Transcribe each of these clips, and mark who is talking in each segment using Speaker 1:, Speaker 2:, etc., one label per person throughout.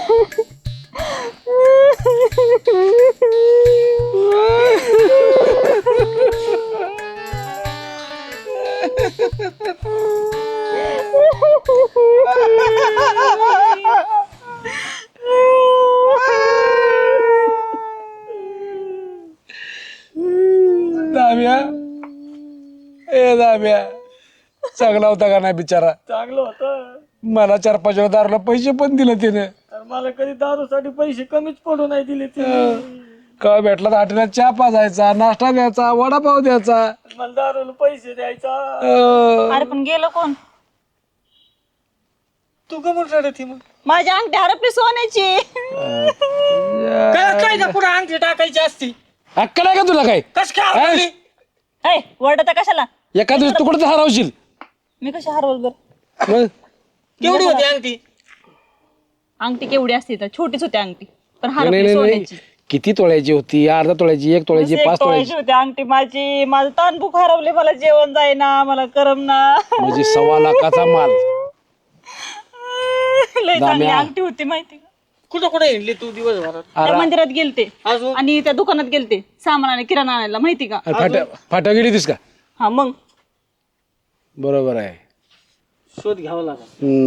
Speaker 1: दाम्या दाम्या चांगला होता का नाही बिचारा?
Speaker 2: चांगलं होतं.
Speaker 1: मला 4-5 वेळा दारूला पैसे पण दिले तिने.
Speaker 2: मला कधी दारूसाठी पैसे कमीच पडू नाही दिले तिने.
Speaker 1: का भेटला तर हॉटेलात चहा पाजायचा, नाश्ता द्यायचा, वडापाव द्यायचा.
Speaker 2: मला दारूला पैसे द्यायचा.
Speaker 3: अरे पण गेलं कोण?
Speaker 2: तू का म्हणून रडत मग?
Speaker 3: माझी अंगठी हरपली सोन्याची.
Speaker 2: काय ना पुढे अंगठी टाकायची असती.
Speaker 1: अक्कल आहे का तुला काय?
Speaker 2: कस काय
Speaker 3: वरडता कशाला?
Speaker 1: एका दिवस तू कुठं हरवशील?
Speaker 3: मी कशी हरवल बर?
Speaker 1: मग?
Speaker 2: केवढी होती अंगठी?
Speaker 3: अंगठी केवढी असते तर छोटीच होती अंगठी, पण
Speaker 1: नाही,
Speaker 3: हरपली
Speaker 1: नाही, नाही.
Speaker 3: सोन्याची.
Speaker 1: किती तोळ्याची होती? अर्धा तोळ्याची, 1 तोळ्याची, 5 तोळ्याची?
Speaker 3: होती अंगठी माझी. माझं तानभूक हरवले, मला जेवण जाईना, मला करमना.
Speaker 1: म्हणजे 1.25 लाखाचा माल.
Speaker 3: लय चांगली
Speaker 1: दाम्या.
Speaker 3: अंगठी होती माहिती का?
Speaker 2: कुठं कुठे हिंडली तू दिवसभरात?
Speaker 3: त्या मंदिरात गेलते
Speaker 2: अजून?
Speaker 3: आणि त्या दुकानात गेलते सामान आणि किराणा आणायला, माहिती का?
Speaker 1: फाट्या गेली तीस का?
Speaker 3: हा मग
Speaker 1: बरोबर आहे.
Speaker 2: शोध घ्यावा लागला.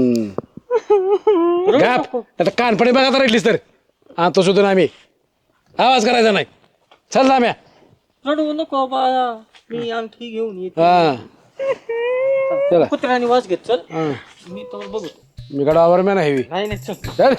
Speaker 1: गाप आता कानपणे बघा राहिलीस तर तो शोधून आम्ही आवाज करायचा नाही. चल दाम्या.
Speaker 2: रडू नको बाळा, मी अंगठी घेऊन येते.
Speaker 1: हा चला.
Speaker 2: कुत्र्याने वास घेत चल.
Speaker 1: हा.
Speaker 2: मी तर बघतो.
Speaker 1: मी गडावर मी नाही
Speaker 2: नाही नाही चल.
Speaker 1: चल.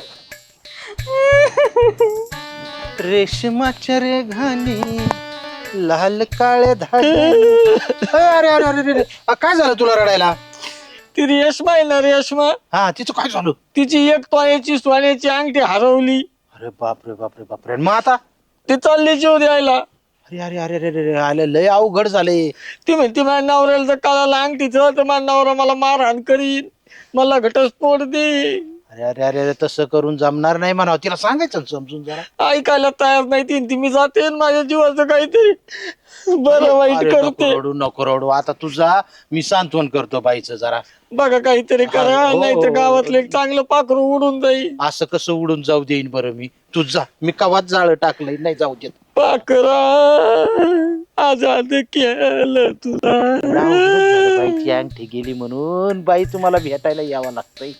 Speaker 4: रेशमाच्या रे घाणी लाल काळे धागे. अरे अरे अरे अरे काय झालं तुला रडायला?
Speaker 2: ती रेशमा आहे ना, रेशमा,
Speaker 4: हा तिचं काय झालं?
Speaker 2: तिची 1 तोळ्याची सोन्याची अंगठी हरवली.
Speaker 4: अरे बापरे बापरे बापरे. मग आता?
Speaker 2: ती चालली जीव द्यायला.
Speaker 4: अरे अरे अरे अरे अरे आले लय अवघड झाले.
Speaker 2: ती म्हणते माझ्या नवऱ्याला जर कळाला अंगठीचं तर माझा नवरा मला मारहाण करीन, मला घटस्फोट दे.
Speaker 4: अरे अरे अरे अरे तसं करून जमणार नाही म्हणावं. तिला सांगायचं ना समजून जरा.
Speaker 2: ऐकायला तयार नाही ती मी जाते आणि माझ्या जीवाचं काहीतरी बरं वाईट
Speaker 4: अरे
Speaker 2: करते.
Speaker 4: नको रडू नको रडू. आता तुझा मी सांत्वन करतो बाईचं जरा.
Speaker 2: बघा काहीतरी करा,
Speaker 4: हो.
Speaker 2: नाही तर गावातलं एक चांगलं पाखरू उडून जाईल.
Speaker 4: असं कसं उडून जाऊ देईन बरं मी? तू जा, मी कवाच जाळ टाकलंय, नाही जाऊ देत.
Speaker 2: पाखरा आजाद केलं तुला.
Speaker 4: बाईची अंगठी गेली म्हणून बाई तुम्हाला भेटायला यावं लागतंय.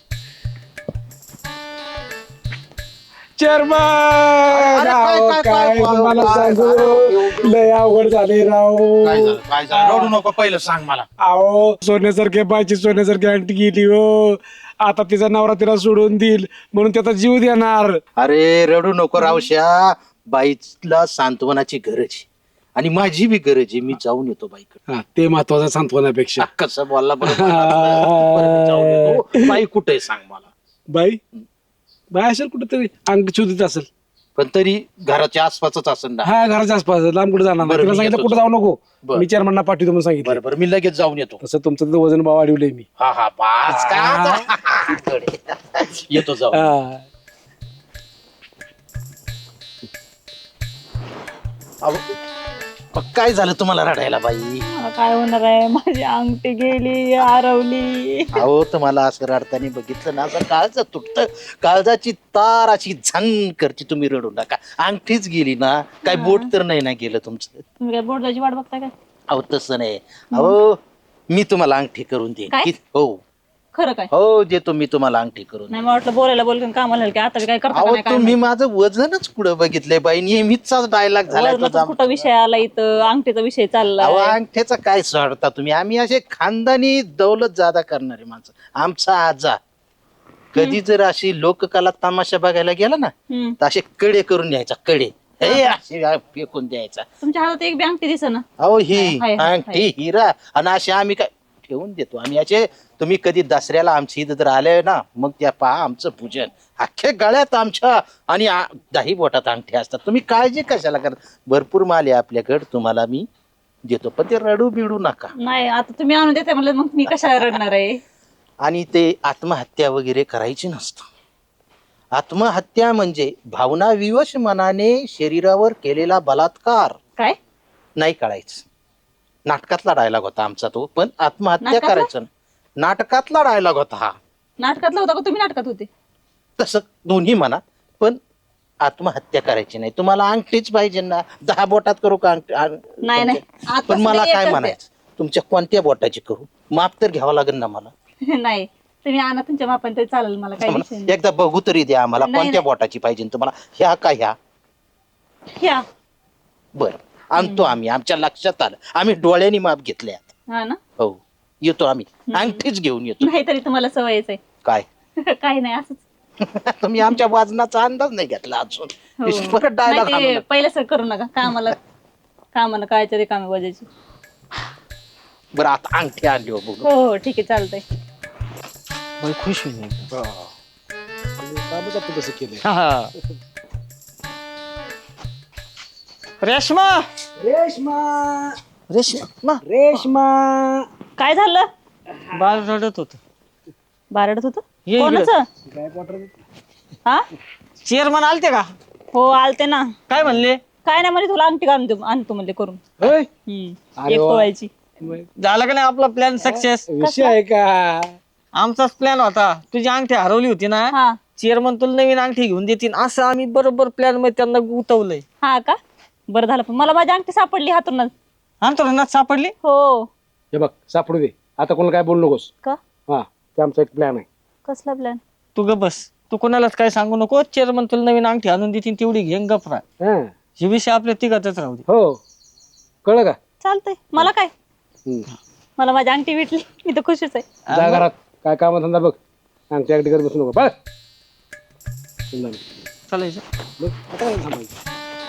Speaker 1: चेअरमन
Speaker 4: अरे काय,
Speaker 1: काय मला सांगू, लय अवघड झाले राव.
Speaker 4: काय झालं रडू नको, पहिलं सांग मला.
Speaker 1: अहो सोन्यासारख्या बायची सोन्यासारखी अंगठी गेली हो. आता तिचा नवरा तिला सोडून देईल म्हणून त्याचा जीव देणार.
Speaker 4: अरे रडू नको रावश्या. बाईला सांत्वनाची गरज आहे आणि माझी बी गरज आहे. मी जाऊन येतो बाईकडे.
Speaker 1: हा, ते महत्वाचं सांत्वनापेक्षा.
Speaker 4: कसं बोलला बरं मी जाऊन येतो. बाई कुठे सांग मला.
Speaker 1: बाई बाई असेल कुठेतरी अंगठी शोधित असेल.
Speaker 4: पण तरी घराच्या आसपासच असेल ना.
Speaker 1: हा घराच्या आसपास, लांब कुठे जाणार नाही.
Speaker 4: बरं,
Speaker 1: तिला
Speaker 4: मी
Speaker 1: सांगितलं
Speaker 4: येतो.
Speaker 1: कुठे जाऊ नको.
Speaker 4: बरं.
Speaker 1: मी चेअरमनना पाठवतो म्हणून सांगितलं.
Speaker 4: बरोबर मी लगेच जाऊन येतो.
Speaker 1: तसं तुमचं तर वजन भाव वाढवलंय मी.
Speaker 4: हा हा पाच का येतो जाऊ.
Speaker 1: हा.
Speaker 4: काय झालं तुम्हाला रडायला बाई?
Speaker 3: मला काय होणार आहे, माझी अंगठी गेली, हरवली.
Speaker 4: अहो तुम्हाला असं रडताना बघितलं ना, असं काळज तुटत, काळजाची तार अशी झन करते. तुम्ही रडू नका. अंगठीच गेली ना, काय बोट तर नाही ना गेलं तुमचं.
Speaker 3: तुम्ही काय बोर्डाची वाट बघताय काय?
Speaker 4: अहो तसं नाही. अहो मी तुम्हाला अंगठी करून देईन.
Speaker 3: काय?
Speaker 4: हो
Speaker 3: खरं काय?
Speaker 4: हो देतो मी तुम्हाला अंगठी करून.
Speaker 3: नाही मला वाटलं बोलायला बोलून कामाला की आता बी काय करता का
Speaker 4: अहो
Speaker 3: नाही काय
Speaker 4: तुम्ही माझं वजनच पुढे बघितलंय बाई. नेहमीचाच डायलॉग झालाय
Speaker 3: वजनाचा
Speaker 4: तुझा.
Speaker 3: कुठं विषय आला इथं, अंगठीचा विषय
Speaker 4: अहो
Speaker 3: चाललाय.
Speaker 4: अंगठ्याचा काय सोडता तुम्ही? आम्ही असे खानदानी दौलत जादा करणारे माणसं. आमचा आजा कधी जर अशी लोककला तमाशा बघायला गेला ना,
Speaker 3: हम्म.
Speaker 4: तर असे कडे करून द्यायचा. कडे हे असे फेकून द्यायचा.
Speaker 3: तुमच्या हातात एक बी अंगठी दिसेना.
Speaker 4: अहो ही
Speaker 3: हाय, हाय,
Speaker 4: अंगठी हिरा आणि असे आम्ही काय ठेवून देतो. आम्ही असे तुम्ही कधी दसऱ्याला आमची इथं जर आले ना, मग त्या पहा आमचं पूजन अख्ख्या गळ्यात आमच्या आणि 10 बोटात अंगठी असतात. तुम्ही काळजी कशाला करता? भरपूर माल आहे आपल्याकडे, तुम्हाला मी देतो. पण ते रडू बिडू नका.
Speaker 3: नाही आता तुम्ही आणून देते म्हणलं, मग मी कशाला रडणार आहे?
Speaker 4: आणि ते आत्महत्या वगैरे करायची नसतं. आत्महत्या म्हणजे भावनाविवश मनाने शरीरावर केलेला बलात्कार.
Speaker 3: काय
Speaker 4: नाही कळायचं. नाटकातला डायलॉग होता आमचा तो. पण आत्महत्या
Speaker 3: नाटकातला?
Speaker 4: करायचं नाटकातला डायलॉग होता हा.
Speaker 3: नाटकातला होता का तुम्ही नाटकात होते?
Speaker 4: तसं दोन्ही म्हणा. पण आत्महत्या करायची नाही. तुम्हाला अंगठीच पाहिजे ना, 10 बोटात करू का
Speaker 3: नाही नाही आता
Speaker 4: पण मला
Speaker 3: सगळे
Speaker 4: काय
Speaker 3: एकच
Speaker 4: म्हणायचं, तुमच्या कोणत्या बोटाची करू? माप तर घ्यावं लागेल ना मला.
Speaker 3: द्या. नाही तुम्ही आणा तुमच्या मापाने तरी चालेल, मला काही विषय नाही.
Speaker 4: एकदा बघू तरी द्या आम्हाला,
Speaker 3: नाही,
Speaker 4: कोणत्या
Speaker 3: नाही.
Speaker 4: बोटाची पाहिजे तुम्हाला, ह्या का ह्या?
Speaker 3: ह्या
Speaker 4: बरं आणतो आम्ही, आमच्या लक्षात आलं, आम्ही डोळ्यांनी माप घेतले आता.
Speaker 3: हा ना.
Speaker 4: हो येतो आम्ही, अंगठीच घेऊन येतो.
Speaker 3: नाहीतरी तुम्हाला सवयच आहे.
Speaker 4: काय
Speaker 3: काही नाही असंच.
Speaker 4: तुम्ही आमच्या वजनाचा अंदाज नाही घेतला अजून.
Speaker 3: हो.
Speaker 4: परत डायलॉग
Speaker 3: नाही ते पहिलं सर करू नका, कामाला काय तरी कामे वाजायची.
Speaker 4: बरं आता अंगठी आणली हो बघू.
Speaker 3: हो हो ठीक आहे चालतंय.
Speaker 4: मला खुश होईल.
Speaker 1: कामच आपण तसं केलंय.
Speaker 2: रेश्मा
Speaker 4: रेश्मा
Speaker 3: काय झालं?
Speaker 2: बाळ रडत होत.
Speaker 3: बारडत होत
Speaker 2: ये
Speaker 3: कोणाचं? हा
Speaker 2: चेअरमन आलते का?
Speaker 3: हो आलते ना.
Speaker 2: काय म्हणले?
Speaker 3: काय नाही म्हणजे तुला अंगठी काढून देऊ आणतो म्हणजे करून.
Speaker 1: होय
Speaker 3: एक तोळायची.
Speaker 2: झालं का नाही आपला प्लॅन सक्सेस?
Speaker 1: विषय आहे का?
Speaker 2: आमचाच प्लॅन होता. तुझी अंगठी हरवली होती ना,
Speaker 3: हा
Speaker 2: चेअरमन तुला नवीन अंगठी घेऊन देतील असं आम्ही बरोबर प्लॅन मध्ये त्यांना गुंतवलंय.
Speaker 3: हा का बरं झालं, पण मला माझी अंगठी सापडली हातूनच.
Speaker 2: अंतरणात सापडली.
Speaker 3: हो.
Speaker 1: हे बघ सापडू दे, आता कोणाला काय बोलू नकोस.
Speaker 3: का?
Speaker 1: हा ते आमचा एक प्लॅन आहे.
Speaker 3: कसला प्लॅन?
Speaker 2: तू ग बस, तू कोणालाच काय सांगू नको. चेअरमन तुला नवीन अंगठी आणून देतील, तेवढी घेऊन गपरा.
Speaker 1: हा
Speaker 2: हे विषय आपल्या तिघातच राहू दे.
Speaker 1: हो कळलं का?
Speaker 3: चालतंय. मला काय,
Speaker 1: हम्म.
Speaker 3: मला माझी अंगठी भेटली, मी तर खुशीच आहे.
Speaker 1: जा घरात काय कामधंदा बघ, आमच्या अगदी करत बसू नको बघ.
Speaker 2: चालायचं.
Speaker 1: आता काय थांबायचं?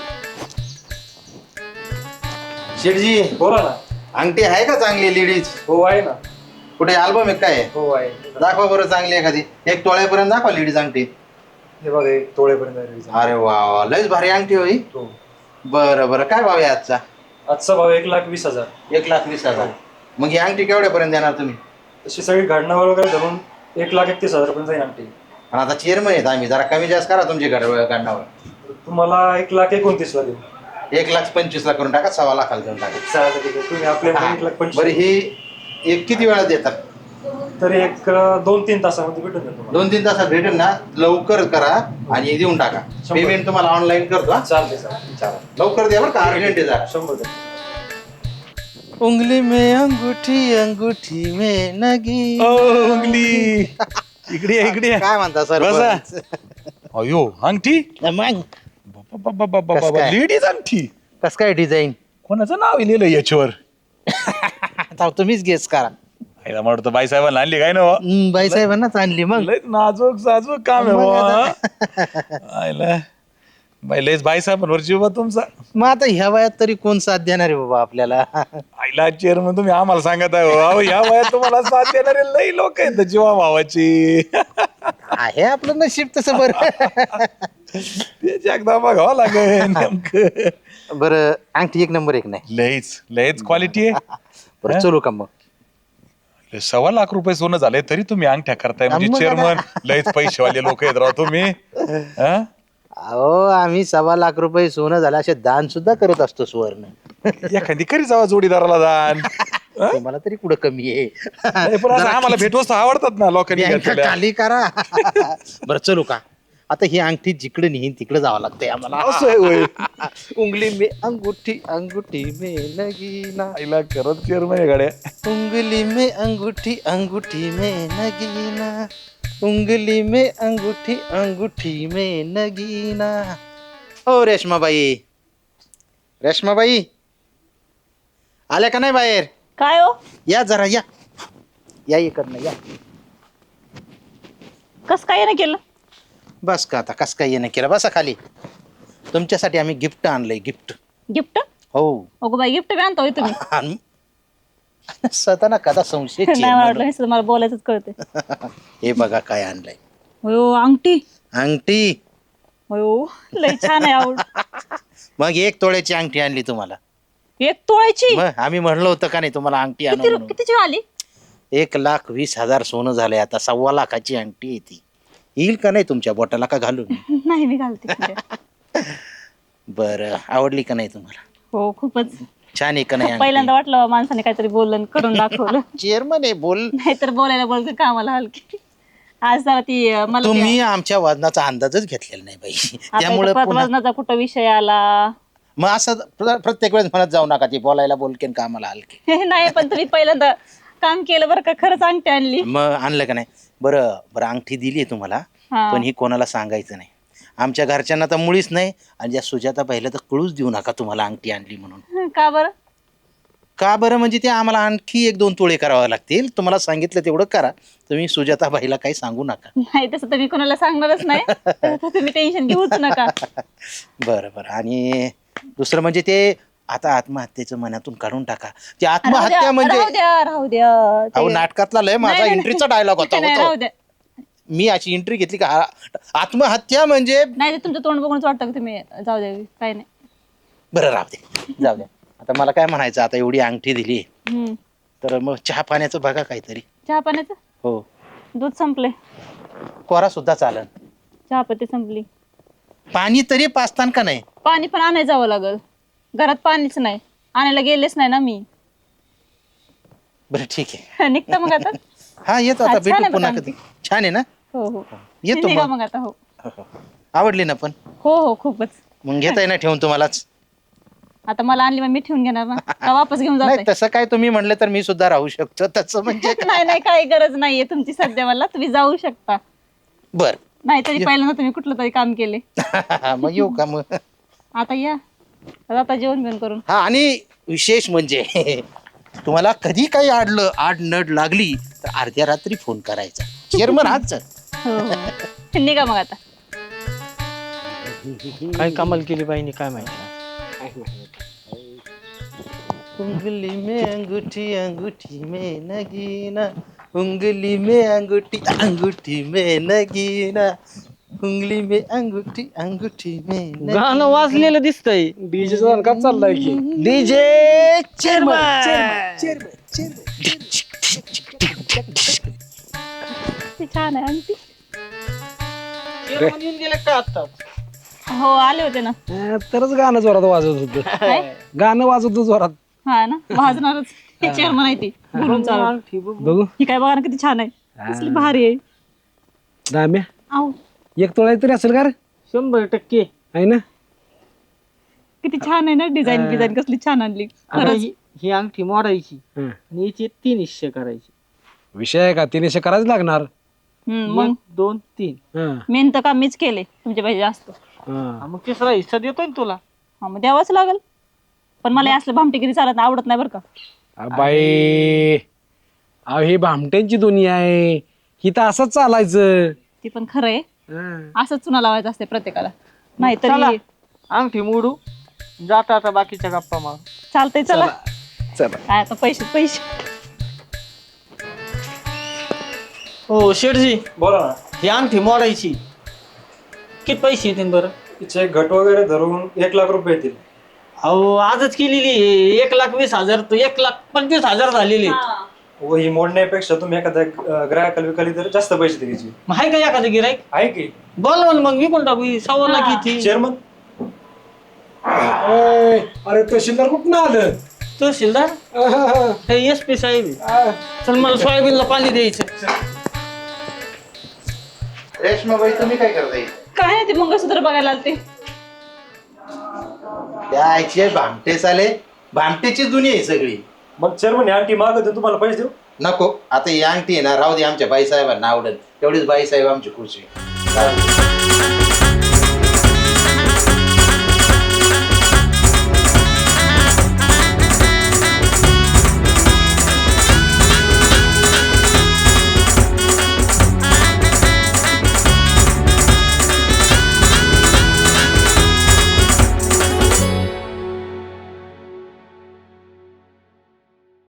Speaker 4: शेठजी
Speaker 5: बोला ना.
Speaker 4: अंगठी आहे का चांगली लेडीज?
Speaker 5: हो आहे ना.
Speaker 4: कुठे अल्बम आहे काय?
Speaker 5: हो आहे.
Speaker 4: दाखवा बरं चांगली एखादी, 1 तोळ्यापर्यंत दाखवा लेडीज अंगठी.
Speaker 5: हे बघा 1 तोळेपर्यंत आहे reason.
Speaker 4: अरे वा वा, लयच भारी अंगठी होई.
Speaker 5: हो.
Speaker 4: बरं बरं, काय भाव आहे आजचा?
Speaker 5: आजचा भाव 1,20,000.
Speaker 4: 1,20,000. मग ही अंगठी केवढ्यापर्यंत देणार तुम्ही?
Speaker 5: तशी सगळी घडणावर वगैरे धरून 1,31,000 पर्यंत जाईल अंगठी.
Speaker 4: पण आता चेअरमन आहेत आम्ही, जरा कमी जास्त करा तुमची गणनावर.
Speaker 5: तुम्हाला 1,29,000 देऊ.
Speaker 4: 1,25,000 करून टाका, 1,25,000 देऊन टाका.
Speaker 5: चालेल ठीक आहे. तुम्ही आपल्या
Speaker 4: हा.
Speaker 5: 1,25,000.
Speaker 4: बरं ही एक किती वेळात देतात?
Speaker 5: तरी 2-3 तासामध्ये भेटून जाईल तुम्हाला.
Speaker 4: 2-3 तासात भेटेल ना? लवकर करा आणि देऊन टाका.
Speaker 5: 100.
Speaker 4: पेमेंट तुम्हाला ऑनलाईन करतो. हा?
Speaker 5: चालते चालेल.
Speaker 4: लवकर द्या बरं का, अर्जंट आहे जरा.
Speaker 5: 100%.
Speaker 4: उंगली में अंगूठी अंगूठी में नगी.
Speaker 6: उंगली इकडे या, इकडे या.
Speaker 4: काय म्हणता सर?
Speaker 6: बसा. अयो अंगठी
Speaker 4: मग कसं काय?
Speaker 6: लेडीज अंगठी
Speaker 4: कस काय डिझाईन?
Speaker 6: कोणाचं नाव लिहिलं याच्यावर?
Speaker 4: आता तुम्हीच गेस करा.
Speaker 6: आईला म्हणतो बाईसाहेबांना आणली काय ना बुवा?
Speaker 4: बाई साहेबांनाच आणली मग.
Speaker 6: लय नाजूक साजूक काम आहे
Speaker 4: मग
Speaker 6: बुवा. आईला बाई लयच बाईसाहेबांवर जीव बा तुमचा.
Speaker 4: मग आता ह्या वयात तरी कोण साथ देणार आहे बाबा आपल्याला?
Speaker 6: आईला चेअरमन तुम्ही आम्हाला सांगत आहे हो. ह्या वयात तुम्हाला साथ देणारे लय लोक आहेत जीवा भावाची.
Speaker 4: आहे आपलं नशीब तसं. बरं
Speaker 6: त्याची एकदा बघावं लागेल नेमकं.
Speaker 4: बरं अंगठी 1 नंबर 1 नाही.
Speaker 6: लयच क्वालिटी आहे.
Speaker 4: बरं चलू का मग?
Speaker 6: 1,25,000 रुपये सोनं झालंय तरी तुम्ही अंगठ्या करताय म्हणजे
Speaker 4: मग
Speaker 6: चेअरमन लयच पैसेवाले लोक आहेत राव तुम्ही. हं?
Speaker 4: अहो आम्ही 1,25,000 रुपये सोनं झालं असे दान सुद्धा करत असतो सुवर्ण.
Speaker 6: एखादी करी जावा जोडीदाराला दान.
Speaker 4: तुम्हाला तरी कुठं कमी आहे?
Speaker 6: नाही, पण असं आम्हाला भेटवस्तू आवडतात ना लोकांनी
Speaker 4: बँका
Speaker 6: घेतलेल्या.
Speaker 4: खाली करा. बरं चलू का? आता ही अंगठी जिकडे नेहीन तिकडे जावं लागतंय आम्हाला.
Speaker 6: असं आहे होय.
Speaker 4: उंगली में अंगूठी अंगूठी में नगीना.
Speaker 6: आईला खरंच चेअरमन आहे गाड्या.
Speaker 4: उंगली में अंगूठी अंगूठी में नगीना. उंगली में अंगूठी अंगूठी में नगीना. ओ रेश्माबाई, रेश्माबाई आल्या का नाही बाहेर?
Speaker 3: काय हो?
Speaker 4: या जरा या, या इकडनं या.
Speaker 3: कस काय नाही केलं?
Speaker 4: बस का आता, कस काय येणं केलं? बसा खाली. तुमच्यासाठी आम्ही गिफ्ट आणलंय. गिफ्ट?
Speaker 3: गिफ्ट?
Speaker 4: हो.
Speaker 3: अगो बाई गिफ्ट बी आणता होय तुम्ही?
Speaker 4: स्वतः ना कदा संशय.
Speaker 3: नाही मला वाटलं नुसतं मला बोलायचंच कळते.
Speaker 4: हे बघा काय आणलंय.
Speaker 3: हो अंगठी.
Speaker 4: अंगठी.
Speaker 3: हो लय छान आहे आवड.
Speaker 4: मग 1 तोळ्याची अंगठी आणली तुम्हाला.
Speaker 3: 1 तोळ्याची?
Speaker 4: मग आम्ही म्हणलो होतं का नाही तुम्हाला अंगठी आणू म्हणून?
Speaker 3: कितीची आली?
Speaker 4: 1,20,000 सोनं झालंय आता. 1,25,000 अंगठी आहे ती. येईल का नाही तुमच्या बोटाला का घालून?
Speaker 3: नाही मी घालते.
Speaker 4: बरं आवडली का नाही तुम्हाला?
Speaker 3: हो खूपच
Speaker 4: छान आहे का नाही?
Speaker 3: पहिल्यांदा वाटलं माणसाने काहीतरी बोललं करून दाखवलं.
Speaker 4: चेअरमन आहे बोल.
Speaker 3: नाहीतर बोलायला बोलते कामाला हलकी. आज जरा ती मला
Speaker 4: तुम्ही आमच्या वजनाचा अंदाजच घेतलेला नाही बाई त्यामुळे पुन्हा
Speaker 3: वजनाचा कुठं विषय आला
Speaker 4: मग असं प्रत्येक वेळेस म्हणत जाऊ नका ती बोलायला बोलकेन कामाला हलके.
Speaker 3: नाही पण तुम्ही पहिल्यांदा काम केलं बरं का खरंच अंगठी आणली
Speaker 4: मग आणलं का नाही. बरं बरं अंगठी दिली आहे तुम्हाला
Speaker 3: हा.
Speaker 4: पण ही कोणाला सांगायचं नाही. आमच्या घरच्यांना तर मुळीच नाही आणि ज्या सुजाता पाहिलं तर कळूच देऊ नका तुम्हाला अंगठी आणली म्हणून.
Speaker 3: का बरं
Speaker 4: का बरं म्हणजे ते आम्हाला आणखी 1-2 तोळे करावे लागतील. तुम्हाला सांगितलं तेवढं करा. तुम्ही सुजाता बाईला काही सांगू नका.
Speaker 3: नाही तसं तर मी कोणाला सांगणारच नाही तसं तुम्ही टेन्शन घेऊच नका.
Speaker 4: बरं बरं आणि दुसरं म्हणजे ते आता आत्महत्येचं मनातून काढून टाका. ते आत्महत्या म्हणजे
Speaker 3: राहू द्या
Speaker 4: अहो नाटकातला लय माझा
Speaker 3: नाही, नाही,
Speaker 4: एंट्रीचा डायलॉग होता
Speaker 3: नाही, राहू द्या
Speaker 4: मी अशी एंट्री घेतली का आत्महत्या म्हणजे
Speaker 3: नाही ते तुमचं तोंड बघूनच वाटतं की तुम्ही जाऊ द्या काही नाही.
Speaker 4: बरं राहू दे जाऊ द्या. आता मला काय म्हणायचं आता एवढी अंगठी दिली
Speaker 3: हम्म.
Speaker 4: तर मग चहा पाण्याचं बघा काहीतरी.
Speaker 3: चहा पाण्याचं
Speaker 4: हो
Speaker 3: दूध संपले
Speaker 4: कोरा सुद्धा चालन.
Speaker 3: चहापत्ती संपली
Speaker 4: पाणी तरी पाचतान का नाही.
Speaker 3: पाणी पण आणायला जावं लागल घरात पाणीच नाही आणायला गेलेच नाही ना मी.
Speaker 4: बरं ठीक आहे
Speaker 3: निघता मग आता.
Speaker 4: हा येतो
Speaker 3: हा,
Speaker 4: आता
Speaker 3: छान
Speaker 4: भेटू
Speaker 3: आहे
Speaker 4: पुन्हा
Speaker 3: बघा
Speaker 4: कधी. छान आहे ना.
Speaker 3: हो हो
Speaker 4: येतो
Speaker 3: निघा
Speaker 4: मग.
Speaker 3: मग आता. हो
Speaker 4: हो, हो. आवडली ना पण
Speaker 3: हो हो खूपच.
Speaker 4: मग घेता येणार ठेवून तुम्हालाच.
Speaker 3: आता मला आणली मग मी ठेवून घेणार ना का वापस घेऊन
Speaker 4: नाही
Speaker 3: जाते.
Speaker 4: तसं काय तुम्ही म्हणले तर मी सुद्धा राहू शकतो तसं म्हणजे.
Speaker 3: नाही नाही काही गरज नाहीये तुमची सध्या मला तुम्ही जाऊ शकता.
Speaker 4: बर
Speaker 3: नाहीतरी पहिल्यांदा तुम्ही कुठलं तरी काम केले.
Speaker 4: मग येऊ का मग.
Speaker 3: आता या आता जेवण बिवण करून.
Speaker 4: हा आणि विशेष म्हणजे तुम्हाला कधी काही आड नड लागली तर अर्ध्या रात्री फोन करायचा. चेअरमन हाच
Speaker 3: हो हो निघा मग आता.
Speaker 2: काय कमाल केली बाईने काय माहिती.
Speaker 4: उंगली में अंगूठी अंगूठी में नगीना उंगली में अंगूठी अंगूठी में नगीना उंगली में अंगूठी अंगूठी में
Speaker 2: गाणं वाजलेलं दिसतंय.
Speaker 1: डीजेचा का चाललाय की
Speaker 2: डीजे चेअरमन.
Speaker 3: ते छान आहे आणखी.
Speaker 2: चेअरमन येऊन गेले का आता.
Speaker 3: हो आले होते ना.
Speaker 1: तरच गाणं जोरात वाजत होतं.
Speaker 3: काय?
Speaker 1: गाणं वाजत होतं जोरात.
Speaker 3: हा ना वाजणारच. हे चेअरमन आहे ती बोलून चालू.
Speaker 2: अंगठी बघ.
Speaker 1: बघू
Speaker 3: ही काय बघा ना किती छान आहे कसली भारी आहे.
Speaker 1: दाम्या
Speaker 3: आहो
Speaker 1: 1 तोळा तरी असेल का रे
Speaker 2: 100%
Speaker 1: आहे ना.
Speaker 3: किती छान आहे ना डिझाईन कसली छान आणली
Speaker 2: आता
Speaker 3: खरंच.
Speaker 2: ही अंगठी मोडायची
Speaker 1: हं.
Speaker 2: आणि याची 3 हिस्से करायचे.
Speaker 1: विषय आहे का 300 करायच लागणार.
Speaker 3: मग
Speaker 2: 1 2 3.
Speaker 1: हं.
Speaker 3: मेन तर काम मीच केले तुमचे पाहिजे जास्त.
Speaker 1: हं.
Speaker 2: मग 3रा हिस्सा देतोय ना तुला.
Speaker 3: हा मग द्यावाच लागल पण मला हे असलं भामटेगिरी चालत नाही, आवडत नाही बरं का.
Speaker 1: बाई अहो ही भामट्यांची दुनिया आहे. ही तर असंच चालायचं.
Speaker 3: ती पण खरं आहे
Speaker 1: हं.
Speaker 3: असंच चुना लावायचं असते प्रत्येकाला.
Speaker 2: चला
Speaker 3: नाहीतरी
Speaker 2: अंगठी मोडू जाता आता बाकीच्या गप्पा मार.
Speaker 3: चालतंय चला.
Speaker 1: चला
Speaker 3: काय आता पैसे
Speaker 2: हो शेठजी
Speaker 5: बोला ना.
Speaker 2: ही अंगठी मोडायची किती पैसे येतील बरं.
Speaker 5: तिचे घट वगैरे धरून 1 लाख रुपये येतील.
Speaker 2: अहो आजच केलेली 1,20,000 तर 1,25,000 झालेली.
Speaker 5: व ही मोडण्यापेक्षा तुम्ही एखाद्या ग्राहकाला विकाली तर जास्त पैसे द्यायचे.
Speaker 2: मग आहे का एखादं गिराईक.
Speaker 5: आहे की
Speaker 2: बोलवा ना मग विकून टाकू. 1,15,00,000 किती.
Speaker 5: चेअरमन.
Speaker 1: अरे तहसीलदार कुठं आलं.
Speaker 2: तहसीलदार हे SP साहेब आहे. चल मला सोयाबीनला पाणी द्यायचं.
Speaker 4: रेशमाबाई तुम्ही काय करताय.
Speaker 3: काय नाही ते मंगळसूत्र बघायला आलते.
Speaker 4: त्याचे भामटे चाले भामटेची दुनिया आहे सगळी.
Speaker 5: मग चेअरमन ही अंगठी मागत तुम्हाला पैसे देऊ.
Speaker 4: नको आता ही अंगठी आहे ना राहू दे आमच्या बाईसाहेबांना आवडेल तेवढीच बाईसाहेब आमची खुश आहे.